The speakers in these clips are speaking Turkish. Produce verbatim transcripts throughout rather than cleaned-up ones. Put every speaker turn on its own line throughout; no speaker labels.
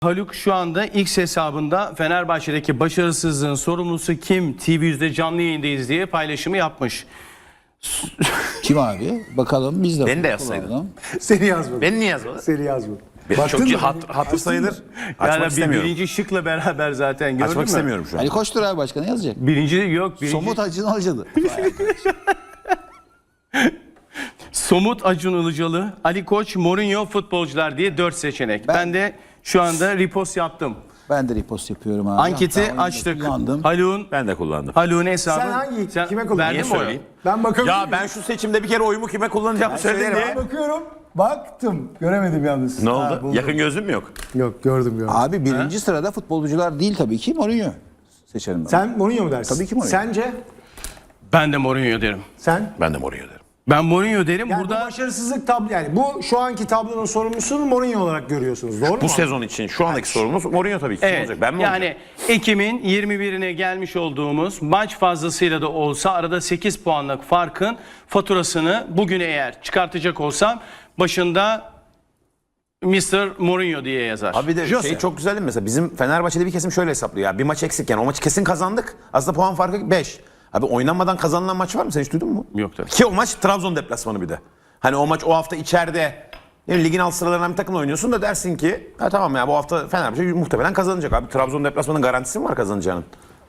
Haluk şu anda X hesabında Fenerbahçe'deki başarısızlığın sorumlusu kim? T V yüzde canlı yayındayız diye paylaşımı yapmış.
Kim abi? Bakalım biz de.
Beni de yazsaydın.
Seni yazmadım.
Beni niye yazmadın?
Seni yazmadım.
Benim
Baktın
çok
mı?
hat, hatır sayılır. Açmak
Yani bir,
istemiyorum.
birinci şıkla beraber zaten gördün
Açmak
mü?
istemiyorum şu an.
Ali Koçtur abi, başka ne yazacak?
Birinci yok. Birinci...
Somut Acun Ilıcalı.
Somut Acun Ilıcalı, Ali Koç, Mourinho futbolcular diye dört seçenek. Ben, ben de şu anda repost yaptım.
Ben de repost yapıyorum abi.
Anketi
Hatta
açtık.
kullandım.
Haluk'un
Ben de kullandım.
Haluk'un hesabı.
Sen hangi?
Sen
Kime kullandın?
verdin
Niye
mi oyu?
söyleyeyim?
Ben bakabilir
Ya
miyim?
ben şu seçimde bir kere oyumu kime kullanacağımı söyledim
Ben
diye.
bakıyorum. Baktım. Göremedim yalnız.
Ne
Ha,
oldu?
buldum.
Yakın gözüm mü yok?
Yok gördüm gördüm.
Abi birinci sırada futbolcular değil tabii ki, Mourinho seçerim ben.
Sen Mourinho mu dersin?
Tabii ki Mourinho.
Sence?
Ben de Mourinho derim.
Sen?
Ben de Mourinho derim.
Ben Mourinho derim.
Yani
Burada
bu başarısızlık tablo, yani bu şu anki tablonun sorumlusunu Mourinho olarak görüyorsunuz. Doğru mu?
Bu sezon için şu andaki sorumuz Mourinho tabii ki. Kim
evet,
olacak? Ben mi
yani
olacağım?
Ekim'in yirmi birine gelmiş olduğumuz maç fazlasıyla da olsa arada sekiz puanlık farkın faturasını bugün eğer çıkartacak olsam başında mister Mourinho diye yazar.
Abi de
Jose.
şey çok güzel değil mi? Mesela bizim Fenerbahçe'de bir kesim şöyle hesaplıyor ya. Bir maç eksikken o maçı kesin kazandık. Aslında puan farkı beş. Abi oynanmadan kazanılan maç var mı? Sen hiç duydun mu?
Yok tabii.
Ki o maç Trabzon deplasmanı bir de. Hani o maç o hafta içeride yani ligin alt sıralarından bir takımla oynuyorsun da dersin ki ha tamam ya bu hafta Fenerbahçe muhtemelen kazanacak. Abi Trabzon deplasmanının garantisi mi var kazanacağının?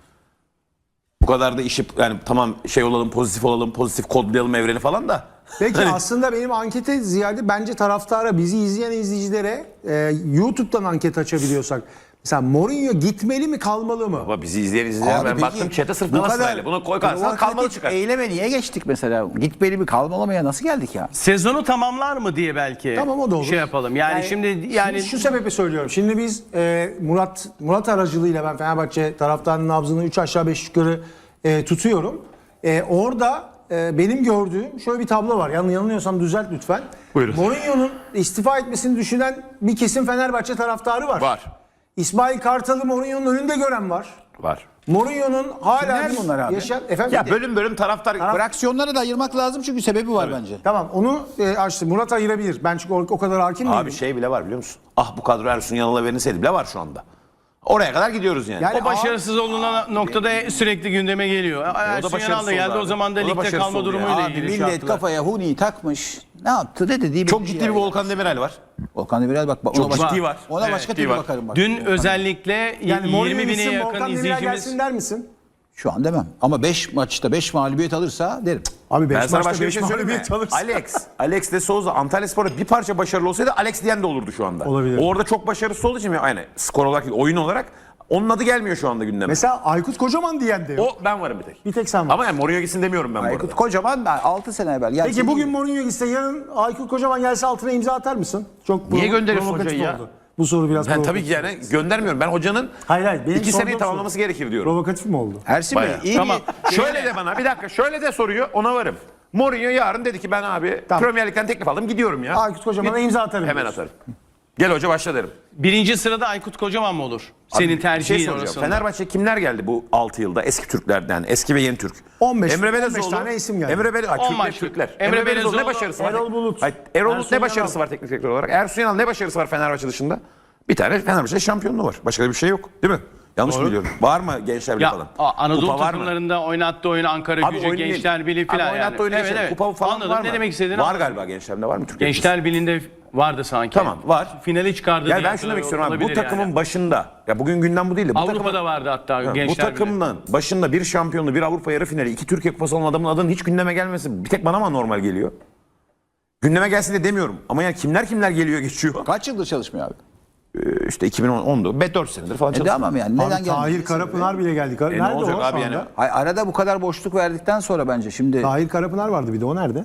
Bu kadar da işi yani tamam şey olalım, pozitif olalım, pozitif kodlayalım evreni falan da.
Peki
Hani-
aslında benim ankete ziyade bence taraftara, bizi izleyen izleyicilere e, YouTube'dan anket açabiliyorsak. Mesela Mourinho gitmeli mi kalmalı mı?
Baba bizi izleyen izleyen
Abi
ben
peki,
baktım chat'e sırf
bu
Galatasaraylı. Bunu koy kalsan kalmalı
provokatif
çıkar.
eyleme niye geçtik mesela? Gitmeli mi kalmalı nasıl geldik ya?
Sezonu tamamlar mı diye belki
Tamam, o da olur.
şey yapalım. Yani, şimdi yani
Şimdi şu sebeple söylüyorum. Şimdi biz e, Murat Murat aracılığıyla ben Fenerbahçe taraftarının nabzını üç aşağı beş yukarı e, tutuyorum. E, orada e, benim gördüğüm şöyle bir tablo var. Yan, yanılıyorsam düzelt lütfen.
Buyurun.
Mourinho'nun istifa etmesini düşünen bir kesim Fenerbahçe taraftarı var.
Var.
İsmail Kartal'ı Mourinho'nun önünde gören var.
Var.
Mourinho'nun hala
Kimler
bir
bunlar abi?
yaşayan... Efendim?
Ya bölüm bölüm taraftar
Fraksiyonları da ayırmak lazım çünkü sebebi var bence.
Tamam, onu e, açtı. Murat ayırabilir. Ben çünkü o, o kadar hakim değilim.
Abi şey bile var biliyor musun? Ah bu kadro Ersun Yanal'a verilseydi bile var şu anda. Oraya kadar gidiyoruz yani.
Yani
o başarısız olunan noktada sürekli gündeme geliyor. Ersun Yanal
başarısız
da geldi,
oldu
o
abi.
zaman da
O da
ligde
başarısız
kalma
oldu
durumuyla
yani.
Abi
ilgili
millet
şartlar.
kafaya huniyi takmış. Ne yaptı ne dediği
Çok
belli
ciddi
yani.
bir Volkan Demirel var.
Volkan Demirel bak. Ona
Çok
başka,
ciddi var.
Ona
Evet,
başka
ciddi
türlü
var.
bakarım bak.
Dün
Volkan.
özellikle
Yani Mourinho
yirmi bine
gitsin,
yakın
Volkan Demirel
izleyicimiz
gelsin der misin?
Şu an demem. Ama beş maçta beş mağlubiyet alırsa derim.
Abi
Ben
beş
sana
maçta
başka bir
beş
şey söyleyeyim mi?
mağlubiyet alırsa.
Alex, Alex de Souza Antalyaspor'da bir parça başarılı olsaydı Alex diyen de olurdu şu anda.
Olabilir.
O orada çok başarısız olduğu için yani skor olarak değil, oyun olarak onun adı gelmiyor şu anda gündeme.
Mesela Aykut Kocaman diyen de yok.
O ben varım bir tek.
Bir tek sen var.
Ama yani Mourinho gitsin demiyorum ben bu
Aykut
arada.
Kocaman ben altı sene evvel. Gerçi
Peki bugün Mourinho gitse, yarın Aykut Kocaman gelse altına imza atar mısın? Çok
Niye
provo-
gönderiyorsun
provokatif
hocayı ya?
oldu. Bu soru biraz
Ben
provokatif.
tabii ki yani göndermiyorum. Ben hocanın
Hayır hayır. Benim
iki seneyi
sorduğum
tamamlaması
soru.
gerekir diyorum.
Provokatif mi oldu?
Ersin Bey
Bayağı.
iyi
Tamam.
bir...
Şöyle de bana bir dakika şöyle de soruyor ona varım. Mourinho yarın dedi ki ben abi
Tamam.
Premier Lig'den teklif aldım gidiyorum ya.
Aykut Kocaman'a imza atarım.
Hemen
diyorsun.
atarım. Gel hoca başla derim.
birinci sırada Aykut Kocaman mı olur?
Abi,
Senin
bir şey
tercihin
soracağım.
orasında.
Fenerbahçe kimler geldi bu altı yılda? Eski Türklerden, eski ve yeni Türk.
on beş
Emre
on beş
Belezoğlu.
tane isim geldi.
Emre Belezoğlu.
on
Türkler,
maç.
Türkler.
Emre
Emre, Belezoğlu ne
Belezoğlu,
başarısı var?
Erol Bulut.
Hayır, Erol Bulut
Ersun
ne başarısı
Yanal.
var teknik direktör olarak? Ersun Yanal ne başarısı var Fenerbahçe dışında? Bir tane Fenerbahçe şampiyonluğu var. Başka da bir şey yok. Değil mi? Yanlış mı biliyorum? Var mı Gençler Birliği
Ya
falan?
a- Anadolu
Kupa var mı?
takımlarında oynattığı oyun Ankara
Abi
Gücü,
oyun değil.
Gençler Birliği
Abi
falan
oynattığı
yani.
oyun değil.
Evet, evet.
Kupa falan
Anladım.
var mı?
Ne demek istediğini
Var
anladım.
galiba Gençler'de var mı Türkiye?
Gençler Birliği'nde vardı sanki.
Tamam, var.
Finali çıkardı
Yani
diye
ben şunu demek istiyorum abi. Bu
olabilir
takımın
yani.
başında, ya bugün gündem bu değil de bu
Avrupa'da
takımın,
vardı hatta
bu
Gençler Birliği.
takımın başında bir şampiyonluğu, bir Avrupa yarı finali, iki Türkiye Kupası olan adamın adının hiç gündeme gelmesi bir tek bana mı normal geliyor? Gündeme gelsin de demiyorum. Ama yani kimler kimler geliyor geçiyor.
Kaç yıldır çalışmıyor abi?
Ee, işte iki bin ondu. Be dört senedir falan
E
çalışıyor.
tamam yani neden
Abi
gelmedi?
Tahir Karapınar bile geldi. Kar-
E ne
nerede
olacak
o
abi
şu
yani?
anda?
Ay, arada bu kadar boşluk verdikten sonra bence şimdi...
Tahir Karapınar vardı bir de, o nerede?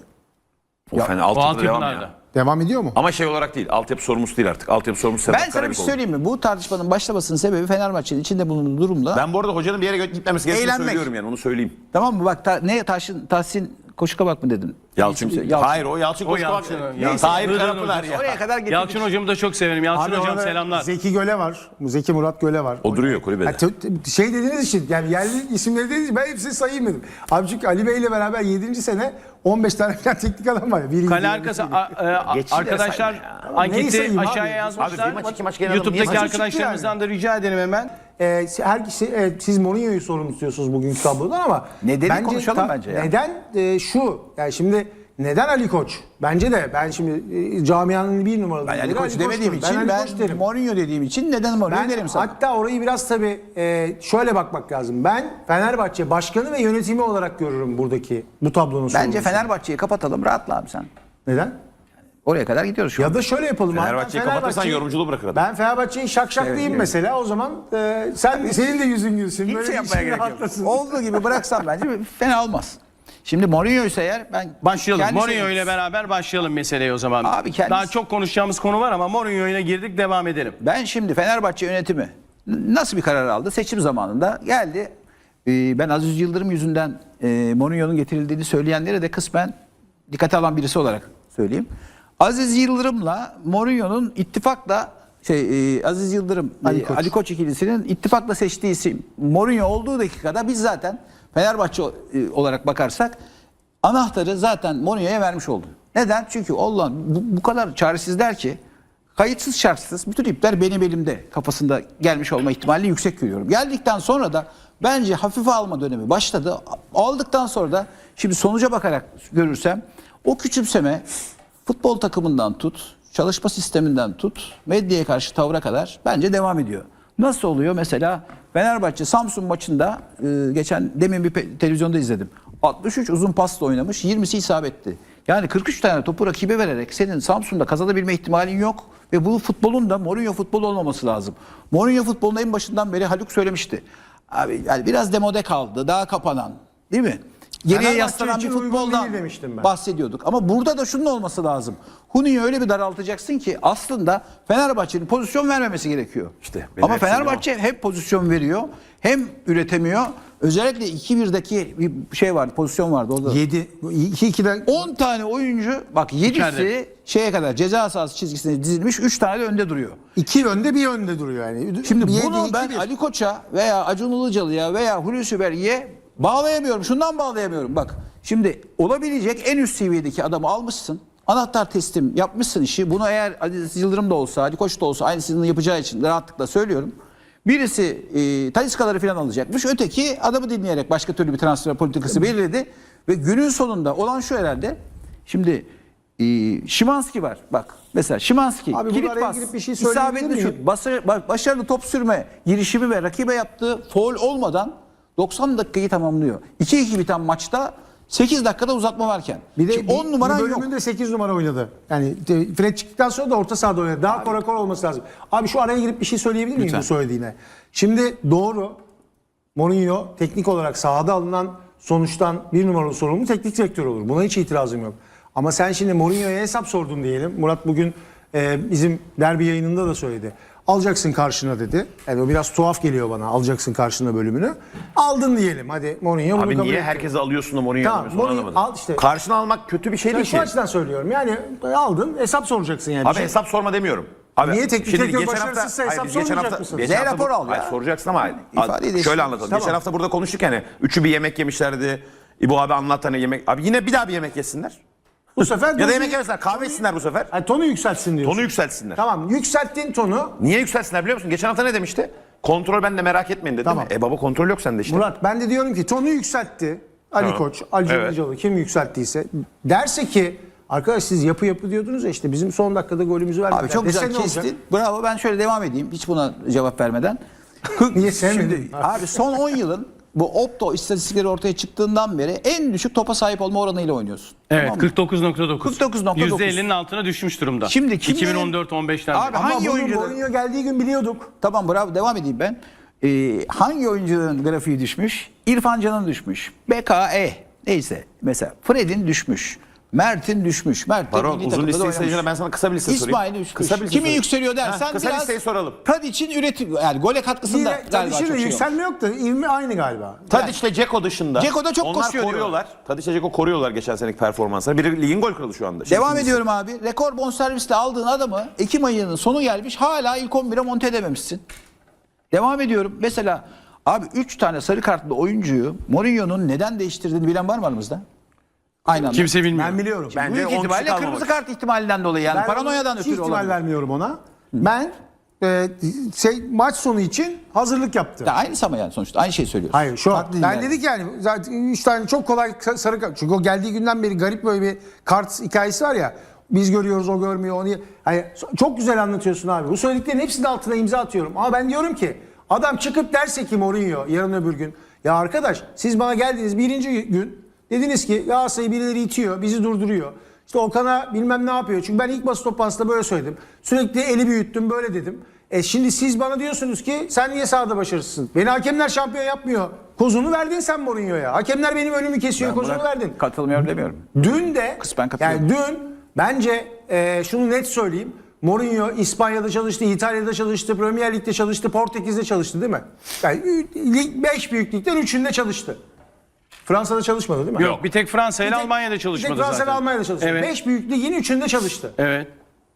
O fena,
O
altyapıda devam
altyapılarda.
ya.
Devam ediyor mu?
Ama şey olarak değil. Altyapı sorumlusu değil artık. Altyapı sorumlusu
Ben
Sedat
sana bir
Karabük
şey
oldu.
söyleyeyim mi? Bu tartışmanın başlamasının sebebi Fenerbahçe'nin içinde bulunduğu durumda.
Ben bu arada hocanın bir yere gitmemesi gerektiğini
Eğlenmek.
söylüyorum yani onu söyleyeyim.
Tamam mı? Bak ta, ne Tahsin, Tahsin Koşu kabak mı dedin?
Yalçın.
İsim- Yalçın.
Hayır o Yalçın
O
Koçkabak.
Yalçın.
Neyse.
Yalçın.
Tahir
Hıdır'ın
Karapınar
hocası.
ya.
Oraya kadar getirdik.
Yalçın hocamı da çok severim. Yalçın
Abi
hocam
orada
selamlar.
Zeki Göle var. Zeki Murat Göle var.
O duruyor kulübede.
Ha, t- t- şey dediğiniz için yani yerli isimleri dediğiniz için ben hepsini sayayım dedim. Abi çünkü Ali Bey ile beraber yedinci sene on beş tane falan teknik adam var ya. Biri
Kale
gidiyor,
arkası
birisi gidiyor.
a- e,
Geçici de
arkadaşlar
sayma ya.
Neyi
anketi
sayayım abi?
aşağıya yazmışlar.
Abi bir maç, iki maç gelen adam niye
YouTube'daki
maçı
çıktı
arkadaşlarımızdan da rica edelim hemen.
Ee, her kişi, evet, siz Mourinho'yu sorun istiyorsunuz bugünkü tablodan ama
Nedeni konuşalım bence ya.
Neden e, şu yani şimdi neden Ali Koç? Bence de ben şimdi e, camianın bir numaralı.
Ben Ali
lideri
Koç demediğim
Koç'tur.
için
Ali
ben,
Koç derim.
Mourinho dediğim için neden Mourinho
Ben
derim sana.
hatta orayı biraz tabii e, şöyle bakmak lazım. Ben Fenerbahçe başkanı ve yönetimi olarak görürüm buradaki bu tablonun
Bence
sorumlusunu.
Fenerbahçe'yi kapatalım, rahatla abi sen.
Neden?
Oraya kadar gidiyoruz şu an.
Ya da şöyle yapalım. abi, ben
Fenerbahçe'yi kapatırsan
Fenerbahçe'yi-
yorumculuğu bırakır adam.
Ben Fenerbahçe'yi şakşaklayayım
Evet,
mesela o zaman e, sen senin de yüzün gülsün.
Hiçbir
Böyle
şey
bir
yapmaya
şey
gerek yok.
rahatlasın.
Olduğu gibi bıraksam bence fena olmaz. Şimdi Mourinho ise eğer ben
Başlayalım.
kendisi-
Mourinho ile beraber başlayalım meseleye o zaman.
Abi kendisi-
Daha çok konuşacağımız konu var ama Mourinho ile girdik, devam edelim.
Ben şimdi Fenerbahçe yönetimi nasıl bir karar aldı? Seçim zamanında geldi. Ee, Ben Aziz Yıldırım yüzünden e, Mourinho'nun getirildiğini söyleyenlere de kısmen dikkate alan birisi olarak söyleyeyim. Aziz Yıldırım'la Mourinho'nun ittifakla şey e, Aziz Yıldırım
Ali
e,
Koç.
Ali Koç ikilisinin ittifakla seçtiği isim Mourinho olduğu dakikada biz zaten Fenerbahçe e, olarak bakarsak anahtarı zaten Mourinho'ya vermiş oldum. Neden? Çünkü Allah bu, bu kadar çaresizler ki kayıtsız şartsız bütün ipler benim elimde kafasında gelmiş olma ihtimali yüksek görüyorum. Geldikten sonra da bence hafife alma dönemi başladı. Aldıktan sonra da şimdi sonuca bakarak görürsem o küçümseme futbol takımından tut, çalışma sisteminden tut, medyaya karşı tavra kadar bence devam ediyor. Nasıl oluyor? Mesela Fenerbahçe Samsun maçında e, geçen demin bir pe- televizyonda izledim. altmış üç uzun pasla oynamış, yirmisi isabetti. Yani kırk üç tane topu rakibe vererek senin Samsun'da kazanabilme ihtimalin yok. Ve bu futbolun da Mourinho futbolu olmaması lazım. Mourinho futbolun en başından beri Haluk söylemişti. Abi yani biraz demode kaldı, daha kapanan, değil mi? Geriye
Fenerbahçe
yaslanan bir
için uygun
futboldan
değil demiştim ben.
bahsediyorduk. Ama burada da şunun olması lazım. Huni'yi öyle bir daraltacaksın ki aslında Fenerbahçe'nin pozisyon vermemesi gerekiyor.
İşte benim
Ama
hepsi
Fenerbahçe hem pozisyon veriyor hem üretemiyor. Özellikle iki birdeki bir şey vardı, pozisyon vardı orada.
yedi iki ikiden
on tane oyuncu bak yedisi
İçeride.
şeye kadar ceza sahası çizgisine dizilmiş, üç tane de önde duruyor.
iki önde bir önde duruyor yani.
Şimdi
Bir yedi,
bunu
iki,
ben
bir.
Ali Koç'a veya Acun Ilıcalı'ya veya Hulusi Berge'ye bağlayamıyorum. Şundan bağlayamıyorum. Bak şimdi olabilecek en üst seviyedeki adamı almışsın. Anahtar teslim yapmışsın işi. Bunu eğer Aziz Yıldırım da olsa, Ali Koç da olsa aynısını yapacağı için rahatlıkla söylüyorum. Birisi e, Taliscaları falan alacakmış. Öteki adamı dinleyerek başka türlü bir transfer politikası belirledi. Ve günün sonunda olan şu herhalde. Şimdi e, Szymanski var. Bak mesela Szymanski
Abi
kilit
burada araya
pas,
girip bir şey söyleyebilir
isabetli
miyim?
şut, basa- bak, başarılı top sürme girişimi ve rakibe yaptığı faul olmadan doksan dakikayı tamamlıyor. iki iki biten maçta sekiz dakikada uzatma varken.
Bir de
Şimdi on numaran
bir
yok.
bölümünde sekiz numara oynadı. Yani de- Fred çıktıktan sonra da orta sahada oynadı. Daha korakor olması lazım. Abi şu araya girip bir şey söyleyebilir miyim
Lütfen.
bu söylediğine? Şimdi doğru. Mourinho teknik olarak sahada alınan sonuçtan bir numaralı sorumlu teknik direktör olur. Buna hiç itirazım yok. Ama sen şimdi Mourinho'ya hesap sordun diyelim. Murat bugün e, bizim derbi yayınında da söyledi. Alacaksın karşına dedi. Yani o biraz tuhaf geliyor bana. Alacaksın karşına bölümünü. Aldın diyelim. Hadi Mourinho bunu
Abi
kabul
niye
etti.
herkese alıyorsun da Mourinho'yu
Tamam,
alamıyorsun onu
Mourinho-
anlamadım.
al işte.
Karşına almak kötü bir şey
Ben
değil
şu
ki.
açıdan söylüyorum. Yani aldın hesap soracaksın yani.
Abi
Bir şey-
hesap sorma demiyorum. Abi,
Niye teknik
şimdi
direktör
geçen
başarısızsa
hayır,
hesap
biz geçen
sormayacak
hafta-
mısın?
geçen
Ne
hafta
rapor
bu-
al ya?
Hayır, soracaksın ama
İfadeyi değiştir.
şöyle anlatalım.
Tamam.
Geçen hafta burada konuştuk yani. Üçü bir yemek yemişlerdi. İbo abi anlat hani yemek. Abi yine bir daha bir yemek yesinler.
Bu sefer
Ya da
dozu-
yemek yemesinler. Kahve içsinler bu sefer.
Yani tonu yükseltsin diyorsun.
Tonu yükseltsinler.
Tamam, yükselttin tonu.
Niye yükseltsinler biliyor musun? Geçen hafta ne demişti? Kontrol ben de merak etmeyin dedi
Tamam.
değil mi? E baba kontrol yok sende işte.
Murat ben de diyorum ki tonu yükseltti. Ali
Tamam.
Koç, Ali
Evet.
Ilıcalı kim yükselttiyse derse ki arkadaş siz yapı yapı diyordunuz ya işte bizim son dakikada golümüzü vermediler.
Abi çok
Dese
güzel
ne olacak?
kestin. Bravo, ben şöyle devam edeyim. Hiç buna cevap vermeden.
Niye sevmedin?
Şimdi, abi son on yılın bu Opto istatistikleri ortaya çıktığından beri en düşük topa sahip olma oranıyla oynuyorsun.
Evet,
Tamam mı?
kırk dokuz nokta dokuz.
kırk dokuz nokta dokuz.
yüzde ellinin altına düşmüş durumda.
Şimdi kimlerin-
iki bin on dört on beşten
Abi,
beri.
Ama
hangi
bunu
oyuncular-
Mourinho geldiği gün biliyorduk.
Tamam bravo, devam edeyim ben. Ee, hangi oyuncuların grafiği düşmüş? İrfan Can'ın düşmüş. B K E neyse mesela Fred'in düşmüş. Mert'in düşmüş. Mert de
Baron
milli
uzun
takımda da
liste
oynamış.
sayacağına ben sana kısa bir liste sorayım.
İsmail düşmüş.
Kısa bir liste
Kimi
sorayım.
yükseliyor dersen
Ha, kısa
biraz
listeyi soralım.
Tadic'in üretim yani gole katkısında
Yine
galiba çok
Tadic'in de
şey yok.
yükselme yok da ivme aynı galiba.
Tadic ile Dzeko dışında.
Dzeko da çok
onlar
koşuyor
koruyorlar. Tadic ile Dzeko koruyorlar geçen seneki performansları. Biri ligin gol kralı şu anda. Şimdi
Devam
ikincisi.
ediyorum abi. Rekor bonservisle aldığın adamı Ekim ayının sonu gelmiş hala ilk on bire monte edememişsin. Devam ediyorum. Mesela abi üç tane sarı kartlı oyuncuyu Mourinho'nun neden değiştirdiğini bilen var mı aramızda? Aynen.
Kimse bilmiyor.
Ben biliyorum.
Bence
Büyük
on kişi
ihtimalle
kalmamak.
kırmızı kart ihtimalinden dolayı yani
Ben
paranoyadan
hiç
ötürü
ihtimal
olabilir.
vermiyorum ona. Ben e, şey, maç sonu için hazırlık yaptım.
Ya aynısı ama yani sonuçta aynı şeyi söylüyorsun.
Hayır şu an.
Farklı
Ben
yani.
dedik yani zaten üç tane çok kolay sa- sarı kart. Çünkü o geldiği günden beri garip böyle bir kart hikayesi var ya. Biz görüyoruz o görmüyor onu. Hayır, çok güzel anlatıyorsun abi. Bu söylediklerin hepsinin altına imza atıyorum. Ama ben diyorum ki adam çıkıp derse ki Mourinho yarın öbür gün. Ya arkadaş siz bana geldiniz birinci gün dediniz ki Galatasaray'ı birileri itiyor bizi durduruyor. İşte Okan'a bilmem ne yapıyor. Çünkü ben ilk basın toplantısında böyle söyledim. Sürekli eli büyüttüm böyle dedim. E şimdi siz bana diyorsunuz ki sen niye sahada başarısızsın? Beni hakemler şampiyon yapmıyor. Kozunu verdin sen Mourinho'ya. Hakemler benim önümü kesiyor. Kozunu
Buna
verdin.
Katılmıyorum demiyorum.
Dün de
Kısmen katılıyorum.
yani dün bence e, şunu net söyleyeyim. Mourinho İspanya'da çalıştı, İtalya'da çalıştı, Premier Lig'de çalıştı, Portekiz'de çalıştı değil mi? Yani beş büyük ligden üçünde çalıştı. Fransa'da çalışmadı değil mi?
Yok, bir tek Fransa ile
Bir tek-
Almanya'da çalışmadı
bir tek Fransa ile
zaten.
Almanya'da çalıştı.
Evet.
beş büyük ligin üçünde çalıştı.
Evet.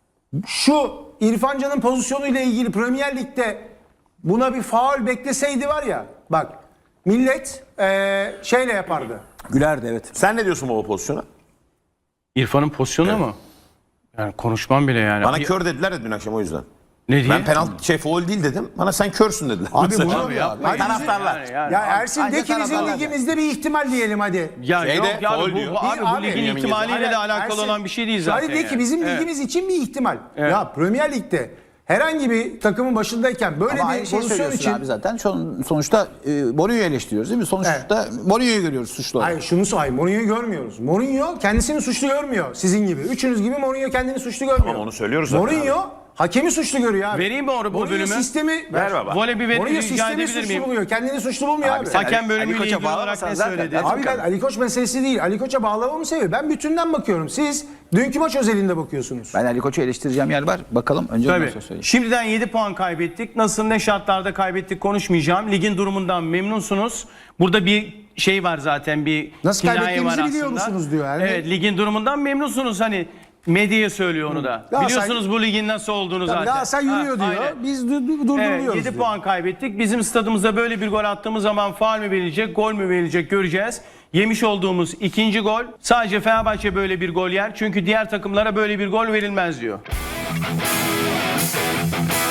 Şu İrfan Can'ın pozisyonuyla ilgili Premier Lig'de buna bir faul bekleseydi var ya bak millet eee, şeyle yapardı.
Gülerdi evet.
Sen ne diyorsun baba pozisyona?
İrfan'ın pozisyonu mu? Yani konuşmam bile yani.
Bana
Bir-
kör dediler de dün akşam o yüzden.
Ne diye?
Ben penaltı şey foul değil dedim. Bana sen körsün dediler.
Abi
Mesela.
bunu
Abi yapma.
Hadi
Taraftarlar.
Yani, yani.
Ya Ersin
Ancak
de ki bizim
taraftarlar.
ligimizde bir ihtimal diyelim hadi.
Ya
Şeyde,
yok ya
faul
bu,
diyor.
bu abi
Değil
bu
abi.
ligin
Yemin
ihtimaliyle
Hayır,
de alakalı
Ersin-
olan bir şey değil zaten.
Hadi de ki
yani.
bizim
Evet.
ligimiz için bir ihtimal.
Evet.
Ya Premier Lig'de herhangi bir takımın başındayken böyle
Ama
bir
aynı şeyi
pozisyon
söylüyorsun
için
abi zaten. Son- Sonuçta e, Mourinho'yu eleştiriyoruz değil mi? Sonuçta Mourinho'yu görüyoruz suçlu olarak.
Hayır şunu söyleyeyim. Mourinho'yu görmüyoruz. Mourinho kendisini suçlu görmüyor. Sizin gibi. Üçünüz gibi Mourinho kendini suçlu görmüyor.
Ama onu söylüyoruz zaten
Mourinho hakemi suçlu görüyor abi.
Vereyim mi o- bu
Mourinho
bölümü?
sistemi
Ver baba.
Voley bir
Mourinho
rica
sistemi
edebilir
suçlu
miyim?
buluyor. Kendini suçlu bulmuyor abi.
sen-
Hakem
Ali
bölümüyle
Koç'a
ilgili olarak
bağlamasan
ne
zaten-
söyledi?
zaten-
Abi ben Ali Koç meselesi değil. Ali Koç'a bağlamamı seviyor. Ben bütünden bakıyorum. Siz dünkü maç özelinde bakıyorsunuz.
Ben Ali Koç'u eleştireceğim yer var. Bakalım önce ondan
Tabii.
sonra söyleyeyim.
Şimdiden yedi puan kaybettik. Nasıl ne şartlarda kaybettik konuşmayacağım. Ligin durumundan memnunsunuz. Burada bir şey var zaten bir
Nasıl
kinaye
kaybettiğimizi
var
biliyor
aslında.
musunuz diyor yani.
Evet ligin durumundan memnunsunuz hani medyaya söylüyor onu da.
Galatasaray-
Biliyorsunuz bu ligin nasıl olduğunu zaten.
Galatasaray yürüyor
Ha,
diyor.
aynen.
Biz du- du- durduruyoruz
Evet, yedi
diyor.
puan kaybettik. Bizim stadımızda böyle bir gol attığımız zaman faul mü verilecek, gol mü verilecek göreceğiz. Yemiş olduğumuz ikinci gol. Sadece Fenerbahçe böyle bir gol yer. Çünkü diğer takımlara böyle bir gol verilmez diyor.